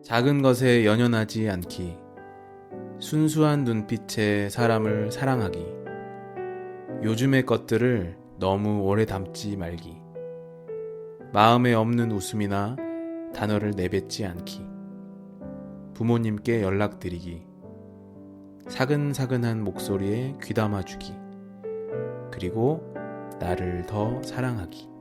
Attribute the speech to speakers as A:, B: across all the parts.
A: 작은 것에 연연하지 않기, 순수한 눈빛에 사람을 사랑하기, 요즘의 것들을 너무 오래 담지 말기, 마음에 없는 웃음이나 단어를 내뱉지 않기, 부모님께 연락드리기, 사근사근한 목소리에 귀담아주기, 그리고 나를 더 사랑하기.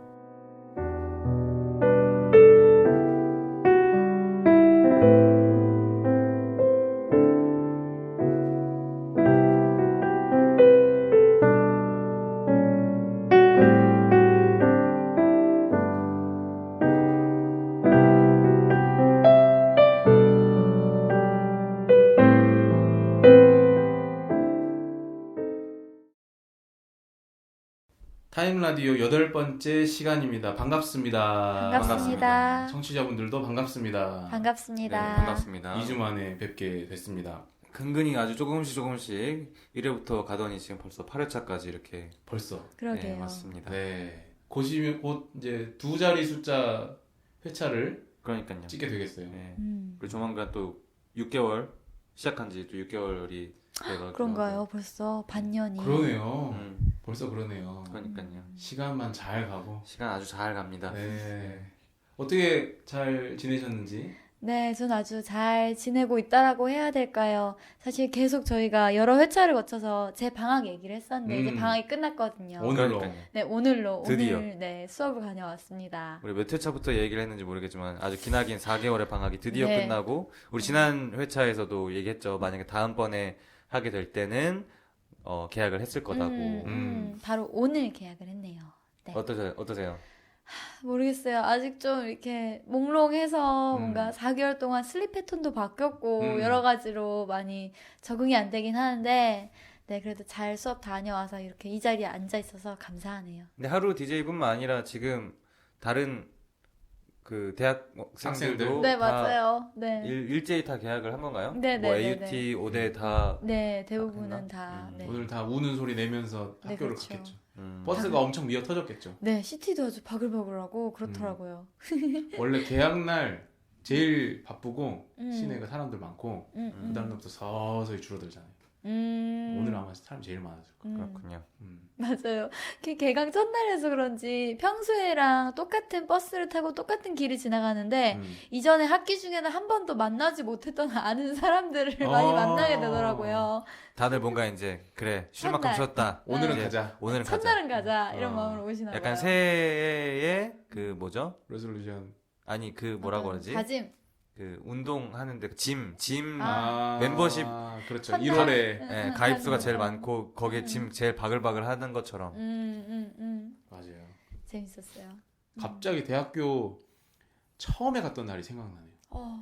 A: 타임라디오 8번째 시간입니다. 반갑습니다.
B: 반갑습니다.
A: 청취자분들도 반갑습니다.
B: 반갑습니다.
C: 네, 반갑습니다.
A: 2주 만에 뵙게 됐습니다.
C: 근근히 아주 조금씩 1회부터 가더니 지금 벌써 8회차까지 이렇게
A: 벌써.
B: 그러게요.
C: 네, 맞습니다.
A: 네. 곧 이제 두 자리 숫자 회차를
C: 그러니까요.
A: 찍게 되겠어요.
C: 네. 그리고 조만간 또 6개월 시작한 지 또 6개월이 돼가지고
B: 그런가요? 벌써 반년이.
A: 그러네요. 벌써 그러네요.
C: 그러니까요.
A: 시간만 잘 가고.
C: 시간 아주 잘 갑니다.
A: 네. 어떻게 잘 지내셨는지?
B: 네, 전 아주 잘 지내고 있다라고 해야 될까요? 사실 계속 저희가 여러 회차를 거쳐서 제 방학 얘기를 했었는데 이제 방학이 끝났거든요.
A: 오늘로.
C: 그러니까요.
B: 네, 오늘로
C: 드디어.
B: 오늘 네, 수업을 다녀왔습니다.
C: 우리 몇 회차부터 얘기를 했는지 모르겠지만 아주 기나긴 4개월의 방학이 드디어
B: 네.
C: 끝나고 우리 지난 회차에서도 얘기했죠. 만약에 다음번에 하게 될 때는 계약을 했을 거다고.
B: 바로 오늘 계약을 했네요. 네.
C: 어떠세요?
B: 모르겠어요. 아직 좀 이렇게 몽롱해서
A: 음.
B: 뭔가 4개월 동안 슬립 패턴도 바뀌었고 여러 가지로 많이 적응이 안 되긴 하는데 네, 그래도 잘 수업 다녀와서 이렇게 이 자리에 앉아 있어서 감사하네요.
C: 근데 하루 DJ뿐만 아니라 지금 다른 그 대학생들도
A: 학생들.
B: 네,
C: 다
B: 맞아요. 네.
C: 일제히 다 계약을 한 건가요?
B: 네,
C: 뭐
B: 네,
C: AUT, 오대 다
B: 네, 대부분은
C: 했나?
B: 다. 네.
A: 오늘 다 우는 소리 내면서
B: 네,
A: 학교를
B: 그렇죠.
A: 갔겠죠.
C: 음.
A: 버스가 엄청 미어 터졌겠죠.
B: 네, CT도 아주 바글바글하고 그렇더라고요.
A: 원래 개학날 제일 바쁘고
B: 음.
A: 시내가 사람들 많고 그 다음부터 서서히 줄어들잖아요. 오늘 아마 사람이 제일 많았을 거예요.
C: 그렇군요.
B: 맞아요. 개강 첫날에서 그런지 평소에랑 똑같은 버스를 타고 똑같은 길을 지나가는데 이전에 학기 중에는 한 번도 만나지 못했던 아는 사람들을 많이 만나게 되더라고요.
C: 다들 뭔가 이제 그래 쉴 만큼
B: 첫날.
C: 쉬었다.
A: 오늘은
C: 이제
A: 가자.
C: 오늘은 가자.
B: 첫날은 가자 이런
A: 어.
B: 마음으로 오시나 봐요.
C: 약간 새해의 그 뭐죠?
A: 레솔루션.
C: 아니 그 뭐라고 그러지?
B: 다짐.
C: 그 운동하는데 그 짐
A: 멤버십. 그렇죠. 1월에
C: 예, 가입수가 제일 많고 거기에 짐 제일 바글바글 하는 것처럼.
A: 맞아요.
B: 재밌었어요.
A: 갑자기 대학교 처음에 갔던 날이 생각나네요.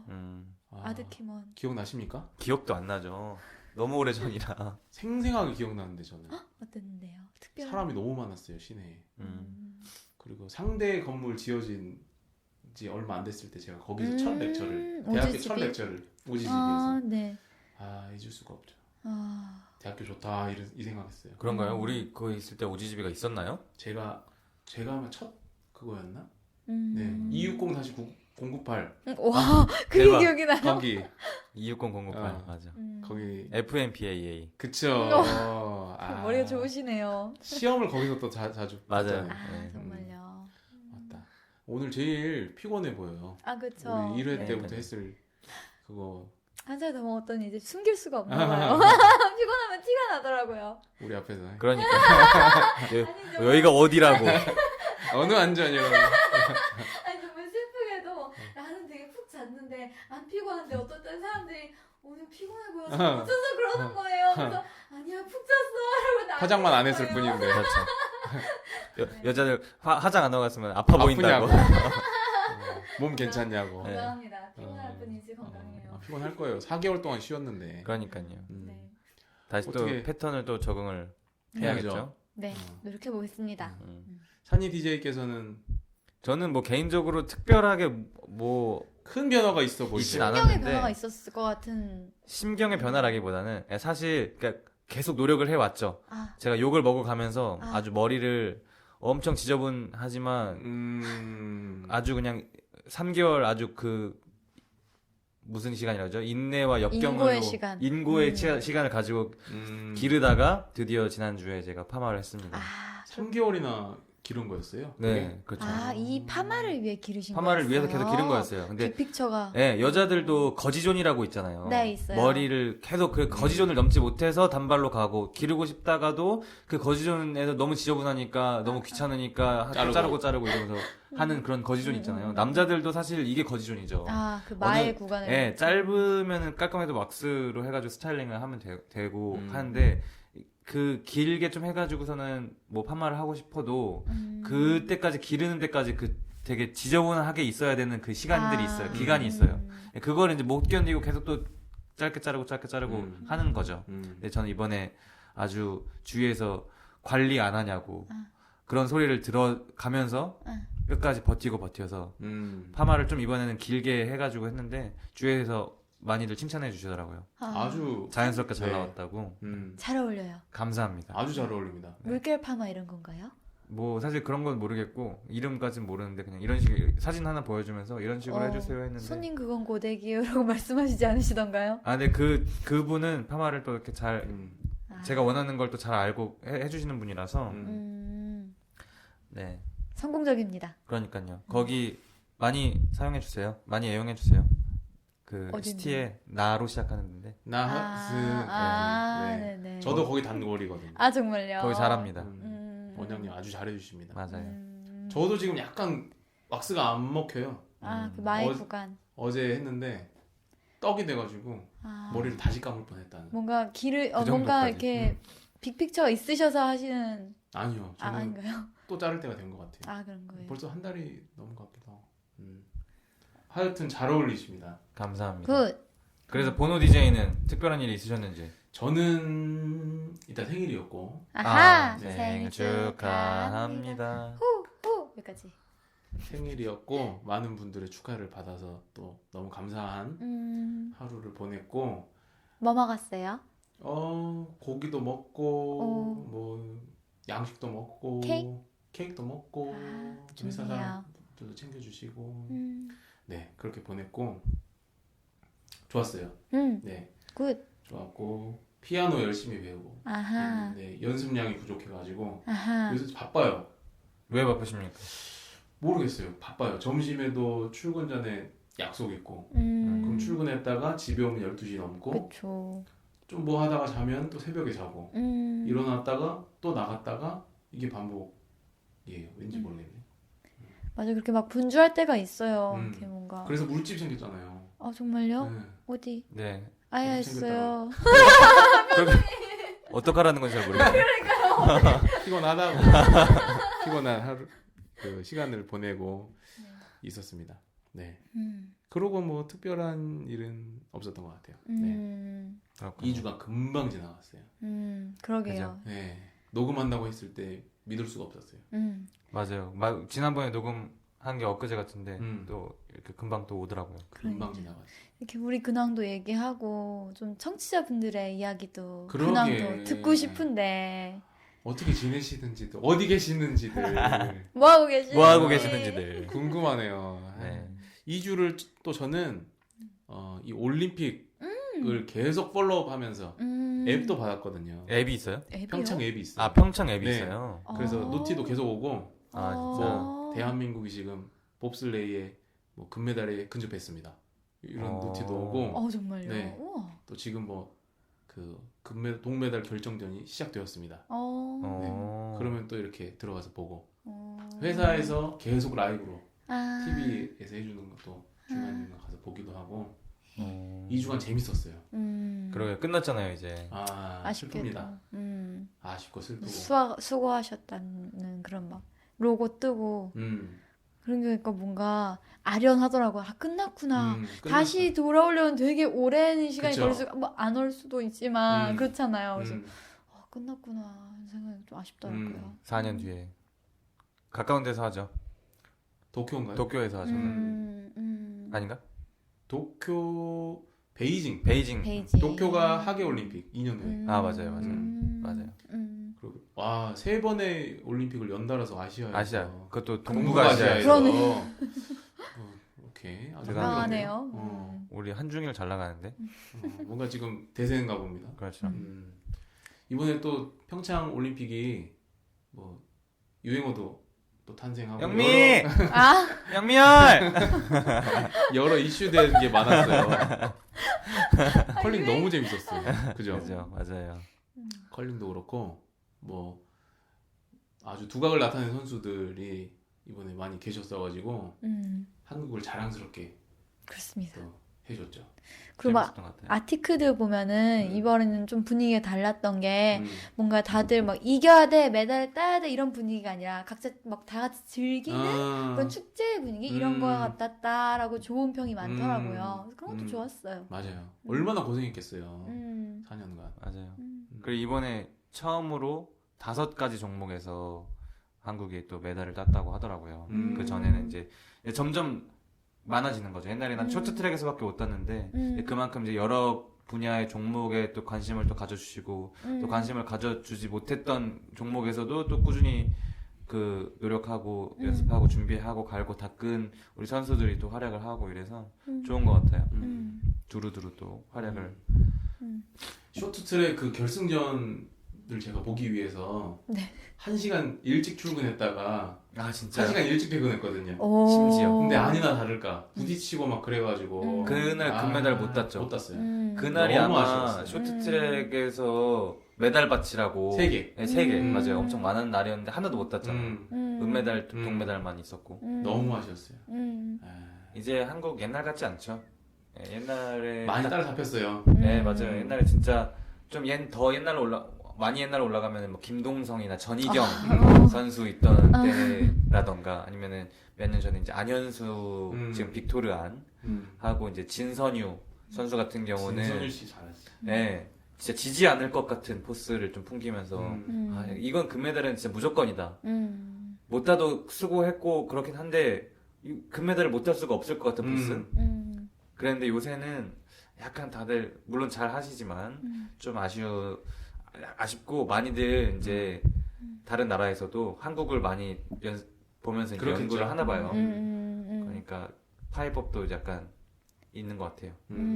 B: 아드키몬.
A: 기억나십니까?
C: 기억도 안 나죠. 너무 오래 전이라.
A: 생생하게 기억나는데 저는
B: 어땠는데요? 특별한.
A: 사람이 너무 많았어요 시내에. 그리고 상대 건물 지어진 지 얼마 안 됐을 때 제가 거기서 첫 렉처를 대학교 첫
B: 오지집이?
A: 렉처를 오지집에서
B: 아, 네.
A: 잊을 수가 없죠.
B: 아,
A: 대학교 좋다 이 생각했어요.
C: 그런가요? 우리 거기 있을 때 오지집이가 있었나요?
A: 제가 아마 첫 그거였나? 네. 260-098
B: 와, 그게
C: 대박.
B: 기억이 나요.
A: 거기
C: 260008
A: 어.
C: 맞아.
A: 거기
C: FMPAA
A: 그쵸.
B: 머리가 좋으시네요.
A: 시험을 거기서 또 자주
C: 맞아요.
A: 봤잖아요.
C: 네.
B: 정말요.
A: 맞다. 오늘 제일 피곤해 보여요.
B: 아, 그쵸.
A: 우리 1회
B: 네.
A: 때부터 했을 그거
B: 한 살 더 먹었더니 이제 숨길 수가 없나 봐요. 피곤하면 티가 나더라고요.
A: 우리 앞에서
C: 그러니까 여기가 어디라고.
A: 어느 안전이라고.
B: 아니 정말 슬프게도 나는 되게 푹 잤는데 안 피곤한데 어떤 사람들이 오늘 피곤해 보여서 못 자서 그러는 거예요. 그래서 아니야 푹 잤어 이러고 나한테
A: 화장만 안
B: 그러는
A: 했을
B: 거예요.
A: 뿐인데.
C: 그렇죠. 여자들 화장 안 하고 갔으면 아파 보인다고.
A: 몸 괜찮냐고.
C: 네.
B: 건강합니다. 피곤할 뿐이지 건강해요.
A: 피곤할 거예요. 4개월 동안 쉬었는데.
C: 그러니까요.
B: 네.
C: 다시
A: 어떻게-
C: 또 패턴을 또 적응을
A: 해야죠.
C: 해야겠죠.
B: 네, 노력해 보겠습니다.
A: 산이 DJ께서는
C: 저는 뭐 개인적으로 특별하게 뭐
A: 큰 변화가 있어
C: 있진
A: 보이죠.
C: 않아.
B: 신경의
C: 않았는데.
B: 변화가 있었을 것 같은.
C: 심경의 변화라기보다는 사실 그러니까 계속 노력을 해왔죠.
B: 아,
C: 제가 욕을 먹어가면서
B: 아.
C: 아주 머리를 엄청 지저분하지만 아주 그냥 3개월 아주 그 무슨 시간이라죠? 인내와 역경으로
B: 인고의 시간.
C: 인고의 시간을 가지고 기르다가 드디어 지난주에 제가 파마를 했습니다.
B: 아,
A: 3개월이나 기른 거였어요?
C: 네, 그렇죠.
B: 아, 이 파마를 위해 기르신
C: 파마를
B: 거였어요?
C: 위해서 계속 기른 거였어요. 근데
B: 빅픽처가.
C: 네, 여자들도 거지존이라고 있잖아요.
B: 네, 있어요.
C: 머리를 계속 그 거지존을 넘지 못해서 단발로 가고 기르고 싶다가도 그 거지존에서 너무 지저분하니까 너무 귀찮으니까 자르고 이러면서 하는 그런 거지존 있잖아요. 남자들도 사실 이게 거지존이죠.
B: 아, 그 마의 구간을.
C: 네, 짧으면은 깔끔해도 왁스로 해가지고 스타일링을 하면 되고 하는데 그 길게 좀 해가지고서는 뭐 파마를 하고 싶어도 그때까지 기르는 데까지 그 되게 지저분하게 있어야 되는 그 시간들이 있어요. 기간이 있어요. 그걸 이제 못 견디고 계속 또 짧게 자르고 하는 거죠. 근데 저는 이번에 아주 주위에서 관리 안 하냐고 그런 소리를 들어가면서 끝까지 버텨서 파마를 좀 이번에는 길게 해가지고 했는데 주위에서 많이들 칭찬해 주시더라고요.
A: 아주
C: 자연스럽게 잘
A: 네.
C: 나왔다고.
B: 잘 어울려요.
C: 감사합니다.
A: 아주 잘 어울립니다.
B: 물결 파마 이런 건가요?
C: 뭐 사실 그런 건 모르겠고 이름까지는 모르는데 그냥 이런 식의 사진 하나 보여주면서 이런 식으로 해주세요 했는데
B: 손님 그건 고데기요라고 말씀하시지 않으시던가요?
C: 아 근데 그분은 파마를 또 이렇게 잘 제가 원하는 걸 또 잘 알고 해주시는 분이라서 네
B: 성공적입니다.
C: 그러니까요 거기 많이 사용해 주세요. 많이 애용해 주세요. 그
B: 어딘데?
C: 시티에 나로 시작하는데
A: 나하스. 네.
B: 네네.
A: 저도 거기 단골이거든요.
B: 아 정말요?
C: 거기 잘합니다.
A: 원장님 아주 잘해주십니다.
C: 맞아요.
A: 저도 지금 약간 왁스가 안 먹혀요.
B: 아, 그 마의 구간.
A: 어제 했는데 떡이 돼가지고 머리를 다시 감을 뻔했다는.
B: 뭔가 길을
C: 그
B: 뭔가
C: 정도까지.
B: 이렇게 빅픽처가 있으셔서 하시는
A: 아니요. 저는
B: 아닌가요?
A: 또 자를 때가 된 것 같아요.
B: 아 그런 거예요.
A: 벌써 한 달이 넘은 것 같기도 하고. 하여튼 잘 어울리십니다.
C: 감사합니다.
B: 굿.
C: 그래서 보노 DJ는 특별한 일이 있으셨는지?
A: 저는 이따 생일이었고
B: 아하.
A: 네,
B: 생일 축하합니다. 후 여기까지.
A: 생일이었고 많은 분들의 축하를 받아서 또 너무 감사한 하루를 보냈고
B: 뭐 먹었어요?
A: 고기도 먹고 뭐 양식도 먹고 케이크도 먹고 회사
B: 좋네요.
A: 사람들도 챙겨주시고 네 그렇게 보냈고 좋았어요. 네
B: 굿.
A: 좋았고 피아노 열심히 배우고
B: 아하.
A: 네 연습량이 부족해가지고
B: 아하.
A: 요새 바빠요.
C: 왜 바쁘십니까?
A: 모르겠어요. 바빠요. 점심에도 출근 전에 약속 있고 그럼 출근했다가 집에 오면 12시 넘고
B: 그쵸.
A: 좀 뭐 하다가 자면 또 새벽에 자고 일어났다가 또 나갔다가 이게 반복이에요. 왠지 모르겠네.
B: 맞아 그렇게 막 분주할 때가 있어요. 이렇게 뭔가.
A: 그래서 물집 생겼잖아요.
B: 아 정말요?
A: 네.
B: 어디?
C: 네.
B: 아야했어요.
C: 어떡하라는 건지 잘 모르겠어요.
A: 피곤하다고 피곤한 하루 그 시간을 보내고 있었습니다. 네. 그러고 뭐 특별한 일은 없었던 것 같아요. 네. 2주가 금방 지나갔어요.
B: 그러게요.
A: 네. 녹음한다고 했을 때 믿을 수가 없었어요.
C: 맞아요. 지난번에 녹음한 게 엊그제 같은데 또 이렇게 금방 또 오더라고요.
A: 금방
B: 그러니까요.
A: 지나갔어요.
B: 이렇게 우리 근황도 얘기하고 좀 청취자분들의 이야기도
A: 그러게.
B: 근황도 듣고 싶은데
A: 어떻게 지내시는지도 어디 계시는지들
B: 뭐 하고 계시는지
C: 뭐 하고 계시는지들.
A: 궁금하네요.
C: 네.
A: 2주를 또 저는 이 올림픽을 계속 팔로우하면서 앱도 받았거든요.
C: 앱이 있어요?
B: 앱이요?
A: 평창 앱이 있어요.
C: 아 평창 앱이
A: 네.
C: 있어요.
A: 그래서
B: 아.
A: 노티도 계속 오고
C: 아
A: 뭐 대한민국이 지금 봅슬레이에 뭐 금메달에 근접했습니다. 이런 노티도 오고
B: 정말요?
A: 네.
B: 우와.
A: 또 지금 뭐 그 동메달 결정전이 시작되었습니다. 그러면 또 이렇게 들어가서 보고 회사에서 계속 라이브로 TV에서 해주는 것도 중간중간 가서 보기도 하고 2주간 재밌었어요.
C: 그러게 끝났잖아요 이제.
B: 아쉽게도.
A: 슬픕니다. 아쉽고 슬프고.
B: 수고하셨다는 그런 막 로고 뜨고 그러니까 뭔가 아련하더라고요. 끝났구나. 다시 돌아오려면 되게 오랜 시간이
A: 그쵸.
B: 걸릴 수, 뭐안 올 수도 있지만 그렇잖아요. 그래서 끝났구나 하는 생각이 좀 아쉽더라고요.
C: 4년 뒤에 가까운 데서 하죠.
A: 도쿄인가요?
C: 도쿄에서 하죠. 아닌가?
A: 도쿄 베이징.
C: 베이징.
A: 도쿄가 하계 올림픽 2년 후에.
C: 맞아요. 맞아요.
A: 그리고 와, 3번의 올림픽을 연달아서 아시아에서.
C: 아시아. 그것도
A: 동북아시아에서
B: 그러네.
A: 오케이. 아주
B: 건강하네요.
C: 우리 한중일 잘 나가는데.
A: 뭔가 지금 대세인가 봅니다.
C: 그렇죠.
A: 이번에 또 평창 올림픽이 뭐 유행어도 또 탄생하고
C: 영미! 영미열!
A: 여러 이슈된 게 많았어요. 컬링 너무 재밌었어요. 그죠?
C: 그죠, 맞아요.
A: 컬링도 그렇고 뭐 아주 두각을 나타낸 선수들이 이번에 많이 계셨어가지고 한국을 자랑스럽게
B: 그렇습니다.
A: 또 해줬죠.
B: 그리고 막 아티크들 보면은 이번에는 좀 분위기가 달랐던 게 뭔가 다들 막 이겨야 돼, 메달을 따야 돼 이런 분위기가 아니라 각자 막 다 같이 즐기는 그런 축제 분위기 이런 거 같았다라고 좋은 평이 많더라고요. 그런 것도 좋았어요.
A: 맞아요. 얼마나 고생했겠어요. 4년간.
C: 맞아요. 그리고 이번에 처음으로 5가지 종목에서 한국이 또 메달을 땄다고 하더라고요. 그 전에는 이제 점점 많아지는 거죠. 옛날에 난 쇼트트랙에서밖에 못 땄는데 그만큼 이제 여러 분야의 종목에 또 관심을 또 가져주시고 또 관심을 가져주지 못했던 종목에서도 또 꾸준히 그 노력하고 연습하고 준비하고 갈고 닦은 우리 선수들이 또 활약을 하고 이래서 좋은 것 같아요. 두루두루 또 활약을.
A: 쇼트트랙 그 결승전을 제가 보기 위해서 1시간 일찍 출근했다가
C: 진짜
A: 1시간 일찍 퇴근했거든요.
C: 심지어.
A: 근데 아니나 다를까 부딪히고 막 그래가지고
C: 그날 금메달 못 땄죠.
A: 못 땄어요.
C: 그날이
A: 너무
C: 아마
A: 아쉬웠어요.
C: 쇼트트랙에서 메달 받치라고
A: 3개.
C: 네, 3개 맞아요. 엄청 많은 날이었는데 하나도 못 땄잖아요. 은메달,
A: 음.
C: 동메달만 있었고.
A: 너무 아쉬웠어요.
C: 이제 한국 옛날 같지 않죠? 네, 옛날에
A: 많이 따라잡혔어요.
C: 네 맞아요. 옛날에 진짜 좀 더 옛날로 많이 옛날로 올라가면 뭐 김동성이나 전희경 선수 있던 때라던가 아니면은 몇 년 전에 이제 안현수 지금 빅토르안 하고 이제 진선유 선수 같은 경우는
A: 진선유 씨 잘했어.
C: 네 진짜 지지 않을 것 같은 포스를 좀 풍기면서 이건 금메달은 진짜 무조건이다. 못 따도 수고했고 그렇긴 한데 금메달을 못 딸 수가 없을 것 같은 포스. 그랬는데 요새는 약간 다들 물론 잘 하시지만 좀 아쉽고 많이들 이제 다른 나라에서도 한국을 많이 보면서 이제 연구를 하나 봐요. 그러니까 파이법도 약간 있는 것 같아요.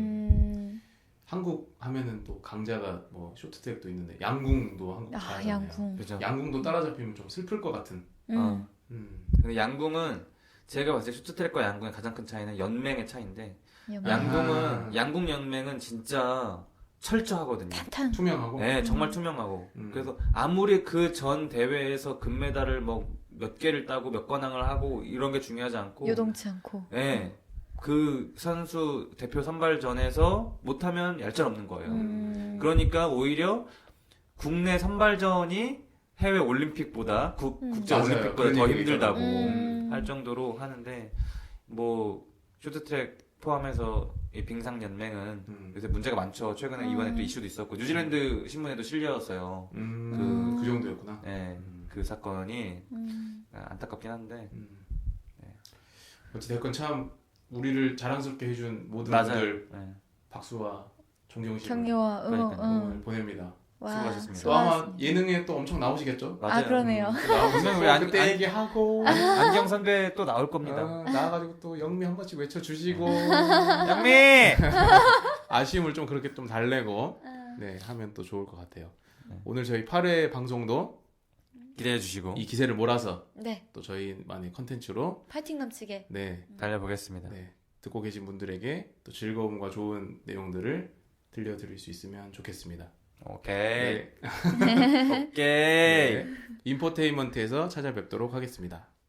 A: 한국 하면은 또 강자가 뭐 쇼트트랙도 있는데 양궁도 한국 잘하잖아요.
B: 양궁.
C: 그죠?
A: 양궁도 따라잡히면 좀 슬플 것 같은.
C: 근데 양궁은 제가 봤을 때 쇼트트랙과 양궁의 가장 큰 차이는 연맹의 차이인데 양궁 연맹은 진짜 철저하거든요.
A: 투명하고.
C: 네, 정말 투명하고. 그래서 아무리 그 전 대회에서 금메달을 뭐 몇 개를 따고 몇 관왕을 하고 이런 게 중요하지 않고
B: 요동치 않고.
C: 네. 그 선수 대표 선발전에서 못하면 얄짤없는 거예요. 그러니까 오히려 국내 선발전이 해외 올림픽보다 국제 올림픽보다 더 힘들다고 할 정도로 하는데 뭐 쇼트트랙 포함해서 이 빙상 연맹은 요새 문제가 많죠. 최근에 이번에 또 이슈도 있었고 뉴질랜드 신문에도 실렸어요.
A: 그 정도였구나.
C: 네, 그 사건이 안타깝긴 한데. 네.
A: 어찌됐건 참 우리를 자랑스럽게 해준 모든
C: 맞아요.
A: 분들
C: 네.
A: 박수와 존경심을
B: 격려와 응원.
A: 보냅니다.
C: 수고하셨습니다.
A: 또 아마 예능에 또 엄청 나오시겠죠?
C: 맞아요.
B: 그러네요.
C: 분명 우리
A: 그때 얘기하고
C: 안경 선배 또 나올 겁니다.
A: 나와가지고 또 영미 한 번씩 외쳐주시고
C: 영미!
A: 아쉬움을 좀 그렇게 좀 달래고 네 하면 또 좋을 것 같아요. 오늘 저희 8회 방송도
C: 기대해 주시고
A: 이 기세를 몰아서
B: 네.
A: 또 저희만의 컨텐츠로
B: 파이팅 넘치게
A: 네,
C: 달려보겠습니다.
A: 네 듣고 계신 분들에게 또 즐거움과 좋은 내용들을 들려드릴 수 있으면 좋겠습니다.
C: 오케이.
A: 네.
C: 오케이.
A: 네. 인포테인먼트에서 찾아뵙도록 하겠습니다.